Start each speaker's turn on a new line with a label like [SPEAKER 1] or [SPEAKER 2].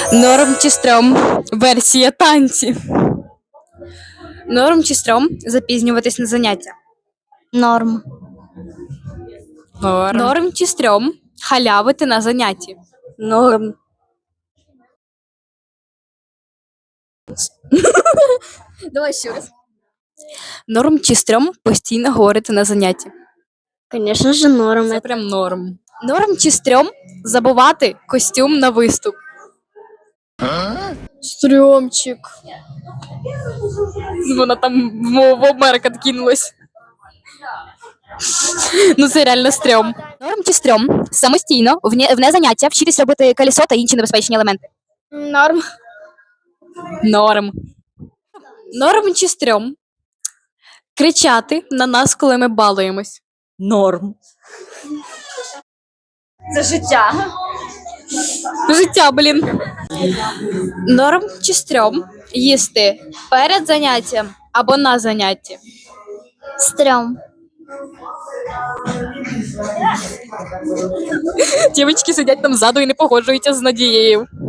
[SPEAKER 1] Норм чи стрьом? Версія танці. Норм чи стрьом запізнюватись на заняття?
[SPEAKER 2] Норм.
[SPEAKER 1] Норм чи стрьом халявити на занятті?
[SPEAKER 2] Норм. Давай ще раз.
[SPEAKER 1] Норм чи стрьом постійно говорити на занятті?
[SPEAKER 2] Конечно же, норм.
[SPEAKER 1] Це прям норм. Норм чи стрьом забувати костюм на виступ?
[SPEAKER 2] Стрёмчик.
[SPEAKER 1] Вона там в обморок откинулась. Ну це реально стрьом. Норм чи стрьом самостійно вне заняття вчитись робити колесо та інші небезпечні елементи?
[SPEAKER 2] Норм.
[SPEAKER 1] Норм. Норм чи стрьом кричати на нас, коли ми балуємось?
[SPEAKER 3] Норм.
[SPEAKER 2] Це життя.
[SPEAKER 1] Життя, блін. Норм чи стрьом їсти перед заняттям або на занятті?
[SPEAKER 2] Стрём.
[SPEAKER 1] Дівчатки сидять там ззаду і не погоджуються з Надією.